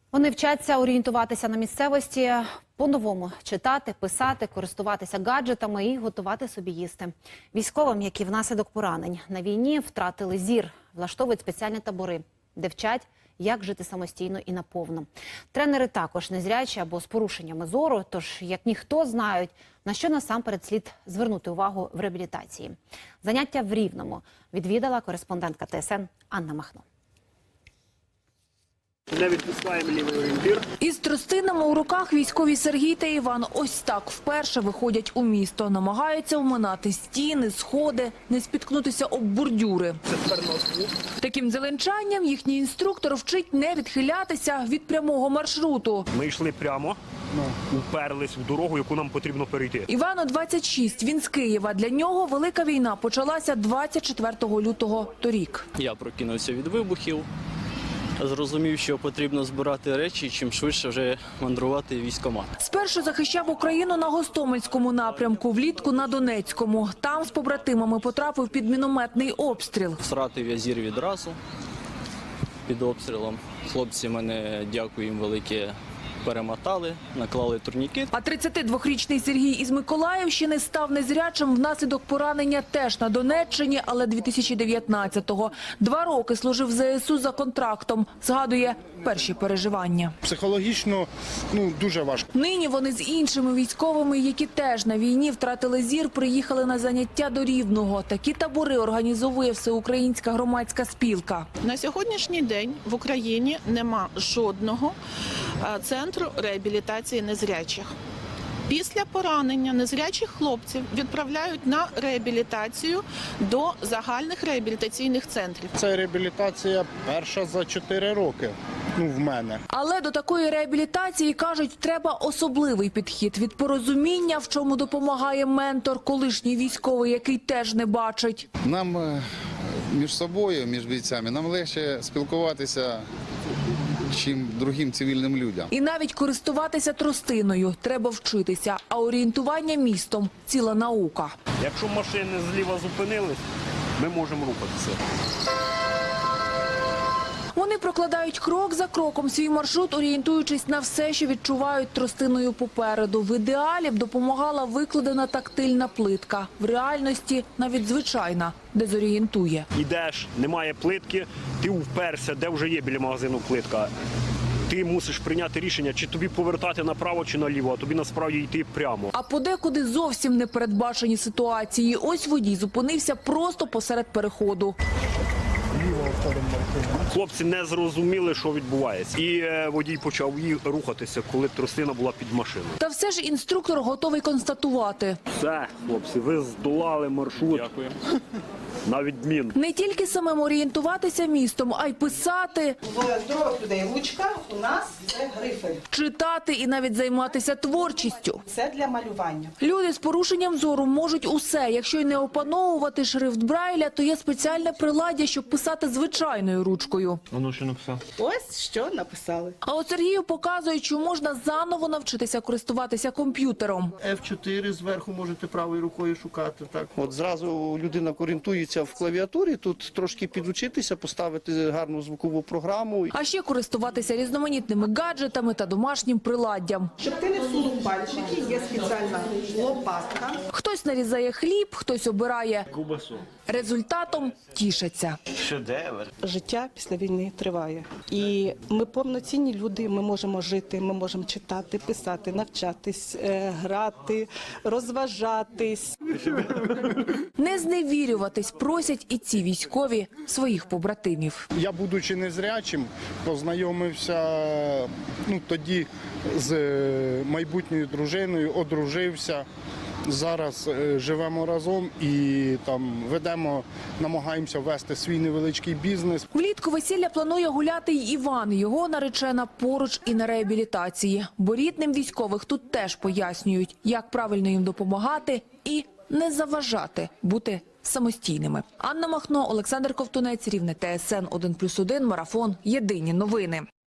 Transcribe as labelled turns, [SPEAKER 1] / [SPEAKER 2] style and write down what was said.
[SPEAKER 1] Вони вчаться орієнтуватися на місцевості, по-новому читати, писати, користуватися гаджетами і готувати собі їсти. Військовим, які внаслідок поранень на війні втратили зір, влаштовують спеціальні табори, де вчать, як жити самостійно і наповно. Тренери також незрячі або з порушеннями зору, тож як ніхто знають, на що насамперед слід звернути увагу в реабілітації. Заняття в Рівному відвідала кореспондентка ТСН Анна Махно.
[SPEAKER 2] Не відпускаємо лівий орієнтир.
[SPEAKER 3] Із тростинами у руках військові Сергій та Іван ось так вперше виходять у місто. Намагаються оминати стіни, сходи, не спіткнутися об бордюри.
[SPEAKER 2] Це тепер нос.
[SPEAKER 3] Таким зеленчанням їхній інструктор вчить не відхилятися від прямого маршруту.
[SPEAKER 2] Ми йшли прямо, уперлись в дорогу, яку нам потрібно перейти.
[SPEAKER 3] Івану 26, він з Києва. Для нього велика війна почалася 24 лютого торік.
[SPEAKER 4] Я прокинувся від вибухів. Зрозумів, що потрібно збирати речі, чим швидше вже мандрувати в військкомат.
[SPEAKER 3] Спершу захищав Україну на Гостомельському напрямку, влітку на Донецькому. Там з побратимами потрапив під мінометний обстріл.
[SPEAKER 4] Втратив я зір відразу під обстрілом. Хлопці мене, дякую їм велике, перемотали, наклали турнікет.
[SPEAKER 3] А 32-річний Сергій із Миколаївщини став незрячим внаслідок поранення теж на Донеччині, але 2019-го. 2 роки служив в ЗСУ за контрактом. Згадує перші переживання.
[SPEAKER 5] Психологічно дуже важко.
[SPEAKER 3] Нині вони з іншими військовими, які теж на війні втратили зір, приїхали на заняття до Рівного. Такі табори організовує Всеукраїнська громадська спілка.
[SPEAKER 6] На сьогоднішній день в Україні нема жодного центру реабілітації незрячих. Після поранення незрячих хлопців відправляють на реабілітацію до загальних реабілітаційних центрів.
[SPEAKER 5] Це реабілітація перша за 4 роки. В мене.
[SPEAKER 3] Але до такої реабілітації, кажуть, треба особливий підхід. Від порозуміння, в чому допомагає ментор, колишній військовий, який теж не бачить.
[SPEAKER 7] Нам між собою, між бійцями, нам легше спілкуватися, чим другим цивільним людям.
[SPEAKER 3] І навіть користуватися тростиною треба вчитися, а орієнтування містом – ціла наука.
[SPEAKER 2] Якщо машини зліва зупинились, ми можемо рухатися.
[SPEAKER 3] Вони прокладають крок за кроком свій маршрут, орієнтуючись на все, що відчувають тростиною попереду. В ідеалі б допомагала викладена тактильна плитка. В реальності навіть звичайна дезорієнтує.
[SPEAKER 2] Ідеш, немає плитки, ти вперся, де вже є біля магазину плитка. Ти мусиш прийняти рішення, чи тобі повертати направо, чи наліво, а тобі насправді йти прямо.
[SPEAKER 3] А подекуди зовсім непередбачені ситуації. Ось водій зупинився просто посеред переходу.
[SPEAKER 2] Хлопці не зрозуміли, що відбувається. І водій почав рухатися, коли тростина була під машиною.
[SPEAKER 3] Та все ж інструктор готовий констатувати.
[SPEAKER 2] Все, хлопці, ви здолали маршрут. Дякую. На відмін.
[SPEAKER 3] Не тільки самим орієнтуватися містом, а й писати,
[SPEAKER 8] У здорових людей ручка, у нас це грифель.
[SPEAKER 3] читати і навіть займатися творчістю.
[SPEAKER 8] Це для малювання.
[SPEAKER 3] Люди з порушенням зору можуть усе. Якщо й не опановувати шрифт Брайля, то є спеціальне приладдя, щоб писати звичайною ручкою.
[SPEAKER 2] Ну, що написав?
[SPEAKER 8] Ось що написали.
[SPEAKER 3] А от Сергію показують, що можна заново навчитися користуватися комп'ютером.
[SPEAKER 9] F4 зверху можете правою рукою шукати. Так. От зразу людина орієнтується в клавіатурі, тут трошки підучитися, поставити гарну звукову програму.
[SPEAKER 3] А ще користуватися різноманітними гаджетами та домашнім приладдям.
[SPEAKER 8] Щоб ти не всунув пальчики, є спеціальна лопатка.
[SPEAKER 3] Хтось нарізає хліб, хтось обирає. Результатом тішаться.
[SPEAKER 8] Життя після війни триває. І ми повноцінні люди, ми можемо жити, ми можемо читати, писати, навчатись, грати, розважатись.
[SPEAKER 3] Не зневірюватись просять і ці військові своїх побратимів.
[SPEAKER 5] Я, будучи незрячим, познайомився тоді з майбутньою дружиною, одружився. Зараз живемо разом і намагаємося вести свій невеличкий бізнес.
[SPEAKER 3] Влітку весілля планує гуляти й Іван. Його наречена поруч і на реабілітації. Бо рідним військових тут теж пояснюють, як правильно їм допомагати і не заважати бути самостійними. Анна Махно, Олександр Ковтунець, Рівне, ТСН 1+1, Марафон. Єдині новини.